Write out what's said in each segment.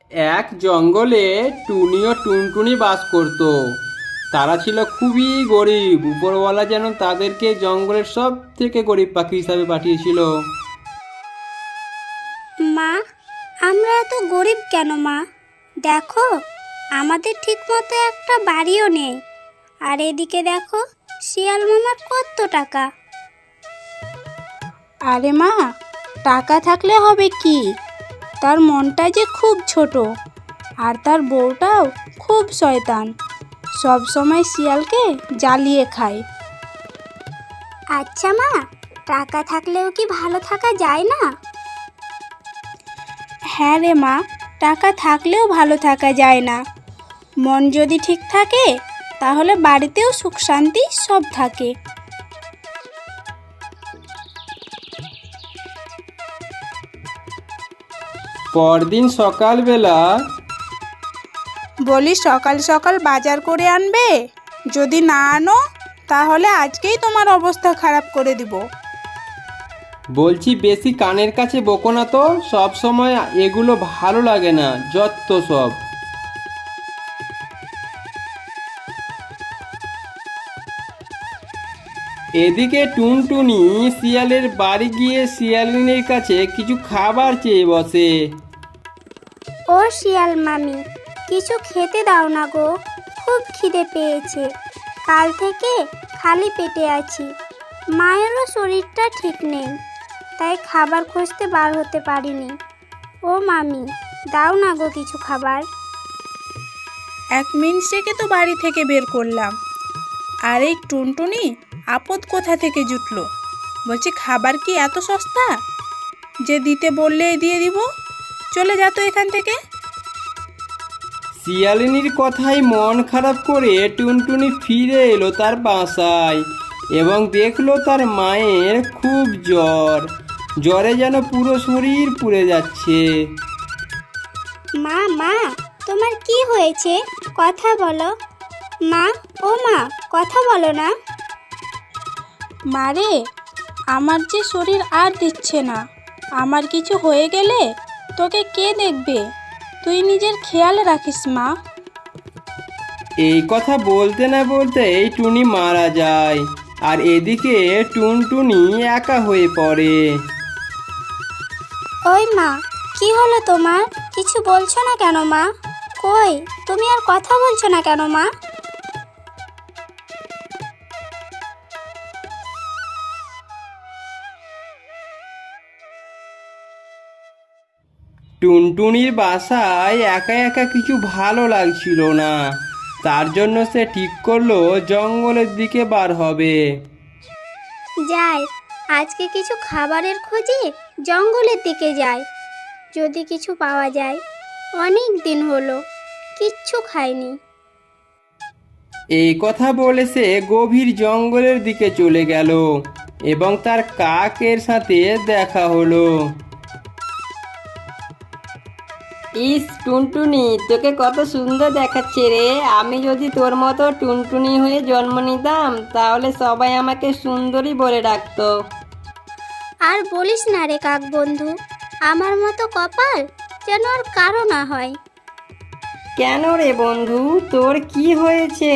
এক জঙ্গলে টুনি ও টুনটুনি বাস করত। তারা ছিল খুবই গরিব। উপরওয়ালা যেন তাদেরকে জঙ্গলের সব থেকে গরিব পাখি হিসাবে পাঠিয়েছিল। মা, আমরা এত গরিব কেন মা? দেখো, আমাদের ঠিকমতো একটা বাড়িও নেই। আর এদিকে দেখো, শিয়াল মামার কত টাকা। আরে মা, টাকা থাকলে হবে কি? তার মনটা যে খুব ছোট, আর তার বউটাও খুব শয়তান, সব সময় শিয়ালকে জ্বালিয়ে খায়। আচ্ছা মা, টাকা থাকলেও কি ভালো থাকা যায় না? হ্যাঁ রে মা, টাকা থাকলেও ভালো থাকা যায় না। মন যদি ঠিক থাকে তাহলে বাড়িতেও সুখ শান্তি সব থাকে। পরদিন সকালবেলা বলি সকাল সকাল বাজার করে আনবে, যদি না আনো তাহলে আজকেই তোমার অবস্থা খারাপ করে দিব। বলছি, বেশি কানের কাছে বকো না তো, সব সময় এগুলো ভালো লাগে না, যত সব। এদিকে টুনটুনি শিয়ালের বাড়ি গিয়ে শিয়ালিনীর কাছে কিছু খাবার চেয়ে বসে। ও শিয়াল মামি, কিছু খেতে দাও না গো, খুব খিদে পেয়েছে। কাল থেকে খালি পেটে আছি। মায়েরও শরীরটা ঠিক নেই, তাই খাবার খুঁজতে বার হতে পারিনি। ও মামি, দাও না গো কিছু খাবার। 1 মিনিট থেকে তো বাড়ি থেকে বের করলাম, আর এই টুনটুনি আপদ কোথা থেকে জুটলো? বলছি খাবার কি এত সস্তা যে দিতে বললেই দিয়ে দিব? চলে যা তো এখান থেকে। শিয়ালিনীর কথায় মন খারাপ করে টুনটুনি ফিরে এলো তার বাসায় এবং দেখলো তার মায়ের খুব জ্বর। জ্বরে যেন পুরো শরীর পুড়ে যাচ্ছে। মা, মা, তোমার কি হয়েছে? কথা বলো। মা, ও মা, কথা বলো না। মারে, আমার যে শরীর আর দিচ্ছে না। আমার কিছু হয়ে গেলে তোকে কে দেখবে? তুই নিজের খেয়াল রাখিস মা। এই কথা বলতে না বলতেই টুনি মারা যায়, আর এদিকে টুনটুনি একা হয়ে পড়ে। ওই মা, কি হলো তোমার? কিছু বলছো না কেন মা? কই, তুমি আর কথা বলছো না কেন মা? টুনটুনির বাসায় একা একা কিছু ভালো লাগছিল না। তার জন্য সে ঠিক করলো জঙ্গলের দিকে বার হবে। যাই, আজকে কিছু খাবারের খোঁজে জঙ্গলের দিকে যাই, যদি কিছু পাওয়া যায়। অনেক দিন হলো কিচ্ছু খাইনি। এই কথা বলে সে গভীর জঙ্গলের দিকে চলে গেল এবং তার কাকের সাথে দেখা হলো। ইস টুনটুনি, তোকে কত সুন্দর দেখাচ্ছে রে। আমি যদি তোর মতো টুনটুনি হয়ে জন্ম নিতাম তাহলে সবাই আমাকে সুন্দরী বলে ডাকতো। আর বলিস না রে কাক বন্ধু, আমার মতো কপাল যেন আর কারো না হয়। কেন রে বন্ধু, তোর কি হয়েছে?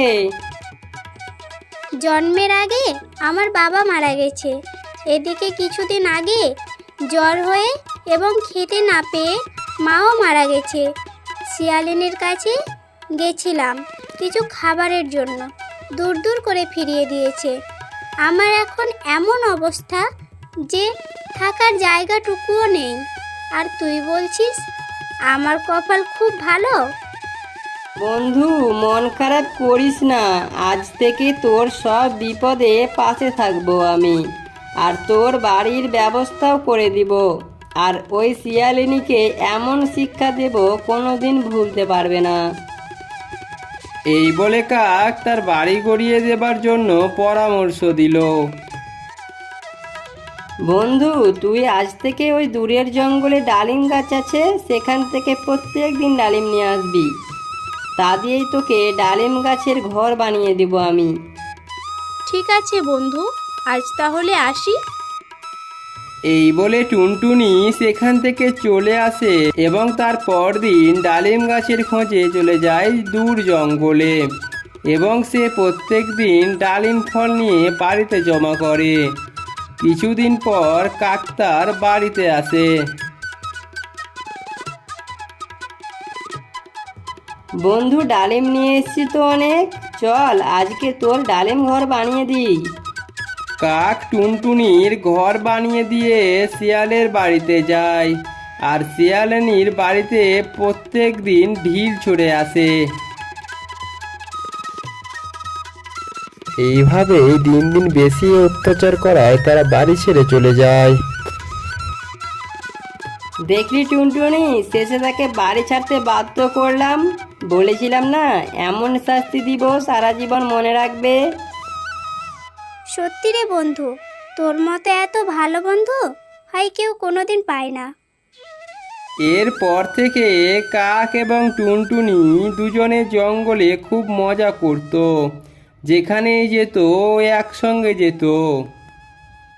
জন্মের আগে আমার বাবা মারা গেছে। এদিকে কিছুদিন আগে জ্বর হয়ে এবং খেতে না পেয়ে মাও মারা গেছে। শিয়ালিনীর কাছে গেছিলাম কিছু খাবারের জন্য, দূর দূর করে ফিরিয়ে দিয়েছে। আমার এখন এমন অবস্থা যে থাকার জায়গাটুকুও নেই। আর তুই বলছিস আমার কপাল খুব ভালো? বন্ধু, মন খারাপ করিস না। আজ থেকে তোর সব বিপদে পাশে থাকবো আমি, আর তোর বাড়ির ব্যবস্থাও করে দিব। আর ওই শিয়ালিনীকে এমন শিক্ষা দেব কোনোদিন ভুলতে পারবে না। এই বলে কাক তার বাড়ি গড়িয়ে দেবার জন্য পরামর্শ দিল। বন্ধু, তুই আজ থেকে ওই দূরের জঙ্গলে ডালিম গাছ আছে, সেখান থেকে প্রত্যেক দিন ডালিম নিয়ে আসবি। তা দিয়েই তোকে ডালিম গাছের ঘর বানিয়ে দিব আমি। ঠিক আছে বন্ধু, আজ তাহলে আসি। এই বলে টুনটুনি সেখান থেকে চলে আসে এবং তার পরদিন ডালিম গাছের খোঁজে চলে যায় দূর জঙ্গলে এবং সে প্রত্যেক দিন ডালিম ফল নিয়ে বাড়িতে জমা করে। কিছুদিন পর কাক তার বাড়িতে আসে। বন্ধু, ডালিম নিয়ে এসেছি তো অনেক, চল আজকে তোর ডালিম ঘর বানিয়ে দিই। কাক টুনটুনির ঘর বানিয়ে দিয়ে শিয়ালের বাড়িতে যায় আর শিয়ালিনীর বাড়িতে প্রত্যেক দিন ঢিল ছুঁড়ে আসে। এইভাবেই দিন দিন বেশি অত্যাচার করায় তারা বাড়ি ছেড়ে চলে যায়। দেখলি টুনটুনি, শেষে তাকে বাড়ি ছাড়তে বাধ্য করলাম। বলেছিলাম না, এমন শাস্তি দিব সারা জীবন মনে রাখবে। সত্যি রে বন্ধু, তোর মতো এত ভালো বন্ধু হয় কেউ কোনোদিন পায় না। এরপর থেকে কাক এবং টুনটুনি দুজনে জঙ্গলে খুব মজা করত, যেখানেই যেত একসঙ্গে যেত।